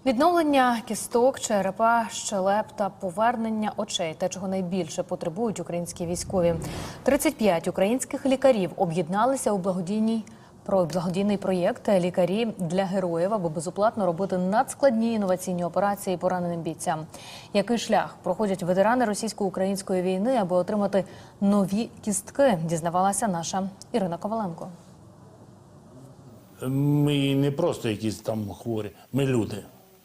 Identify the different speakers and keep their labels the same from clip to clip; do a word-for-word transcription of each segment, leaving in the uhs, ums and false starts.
Speaker 1: Відновлення кісток, черепа, щелеп та повернення очей – те, чого найбільше потребують українські військові. тридцять п'ять українських лікарів об'єдналися у благодійній про благодійний проєкт «Лікарі для героїв», аби безоплатно робити надскладні інноваційні операції пораненим бійцям. Який шлях проходять ветерани російсько-української війни, аби отримати нові кістки, дізнавалася наша Ірина Коваленко.
Speaker 2: Ми не просто якісь там хворі, ми люди.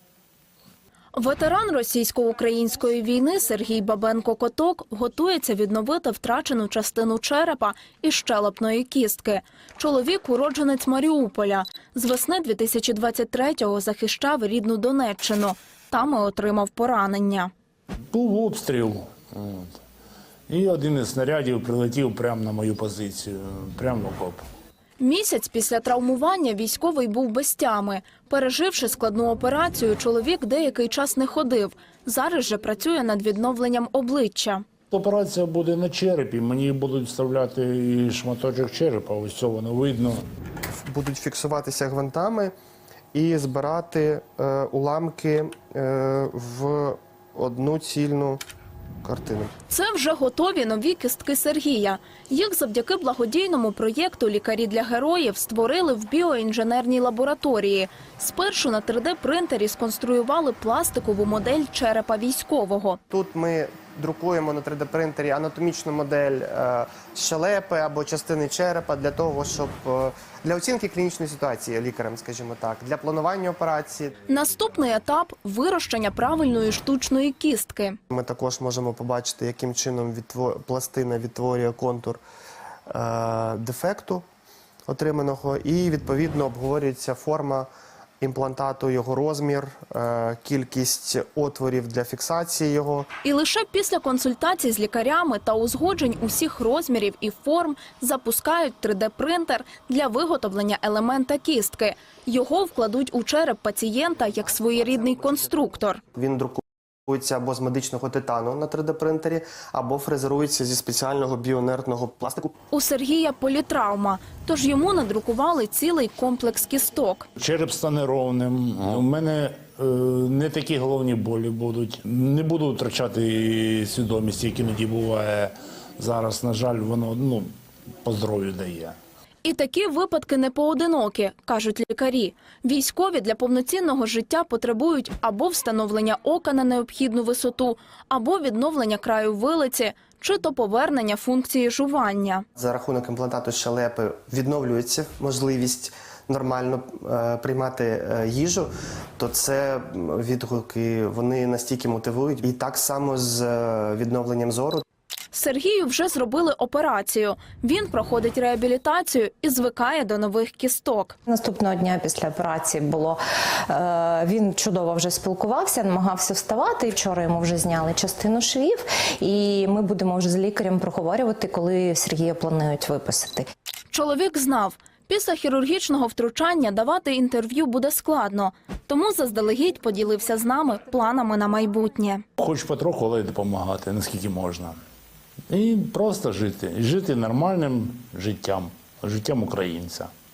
Speaker 3: Ветеран російсько-української війни Сергій Бабенко-Коток готується відновити втрачену частину черепа і щелепної кістки. Чоловік – уродженець Маріуполя. З весни дві тисячі двадцять третього захищав рідну Донеччину. Там і отримав поранення.
Speaker 2: Був обстріл. От. І один із снарядів прилетів прямо на мою позицію, прямо в окоп.
Speaker 3: Місяць після травмування військовий був без тями. Переживши складну операцію, чоловік деякий час не ходив. Зараз же працює над відновленням обличчя.
Speaker 2: Операція буде на черепі, мені будуть вставляти і шматочок черепа, ось це воно видно.
Speaker 4: Будуть фіксуватися гвинтами і збирати е, уламки е, в одну цільну картину.
Speaker 3: Це вже готові нові кістки Сергія. Їх завдяки благодійному проєкту «Лікарі для героїв» створили в біоінженерній лабораторії. Спершу на три де-принтері сконструювали пластикову модель черепа військового.
Speaker 4: Тут ми друкуємо на три де-принтері анатомічну модель е, щелепи або частини черепа для того, щоб е, для оцінки клінічної ситуації лікарем, скажімо так, для планування операції.
Speaker 3: Наступний етап – вирощення правильної штучної кістки.
Speaker 4: Ми також можемо побачити, яким чином відтвор... пластина відтворює контур е, дефекту отриманого, і відповідно обговорюється форма імплантату, його розмір, е, кількість отворів для фіксації його.
Speaker 3: І лише після консультацій з лікарями та узгоджень усіх розмірів і форм запускають три де-принтер для виготовлення елемента кістки. Його вкладуть у череп пацієнта як своєрідний конструктор.
Speaker 4: Він друкується або з медичного титану на три де-принтері, або фрезерується зі спеціального біоінертного пластику.
Speaker 3: У Сергія політравма, тож йому надрукували цілий комплекс кісток.
Speaker 2: Череп стане ровним, у мене е, не такі головні болі будуть. Не буду втрачати свідомість, як іноді буває зараз. На жаль, воно ну, по здоров'ю дає.
Speaker 3: І такі випадки не поодинокі, кажуть лікарі. Військові для повноцінного життя потребують або встановлення ока на необхідну висоту, або відновлення краю вилиці, чи то повернення функції жування.
Speaker 4: За рахунок імплантату щелепи відновлюється можливість нормально е, приймати е, їжу, то це відгуки, вони настільки мотивують. І так само з е, відновленням зору.
Speaker 3: Сергію вже зробили операцію. Він проходить реабілітацію і звикає до нових кісток.
Speaker 5: Наступного дня після операції було, е, він чудово вже спілкувався, намагався вставати. І вчора йому вже зняли частину швів. І ми будемо вже з лікарем проговорювати, коли Сергія планують виписати.
Speaker 3: Чоловік знав, після хірургічного втручання давати інтерв'ю буде складно. Тому заздалегідь поділився з нами планами на майбутнє.
Speaker 2: Хочу потроху, але й допомагати, наскільки можна. І просто жити. І жити нормальним життям, життям українця.